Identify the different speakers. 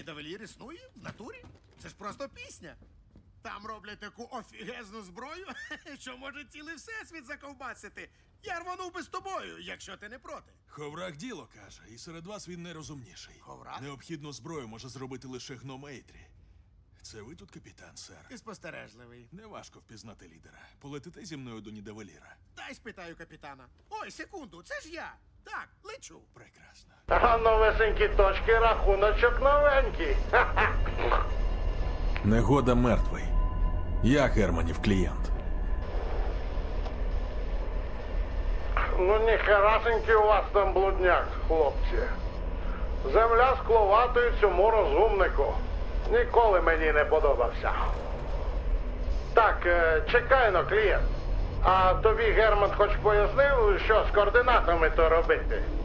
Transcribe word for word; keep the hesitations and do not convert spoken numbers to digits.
Speaker 1: Нідавелір існує в натурі. Це ж просто пісня. Там роблять таку офігезну зброю, що може цілий всесвіт заковбасити. Я рванув би з тобою, якщо ти не проти.
Speaker 2: Ховрах діло каже, і серед вас він найрозумніший.
Speaker 1: Ховрах?
Speaker 2: Необхідну зброю може зробити лише гномейтрі. Це ви тут капітан, сер?
Speaker 1: Ти спостережливий.
Speaker 2: Неважко впізнати лідера. Полетите зі мною до Нідавеліра.
Speaker 1: Дай спитаю капітана. Ой, секунду, це ж я. Так, лечу.
Speaker 2: Прекрасно.
Speaker 3: А новесенькі точки, рахуночок новенький.
Speaker 2: Негода мертвий. Я Германів клієнт.
Speaker 3: Ну, ніхерасенький у вас там блудняк, хлопці. Земля скловатою цьому розумнику. Ніколи мені не подобався. Так, е, чекай но, клієнт. А тобі Герман хоч пояснив, що з координатами то робити?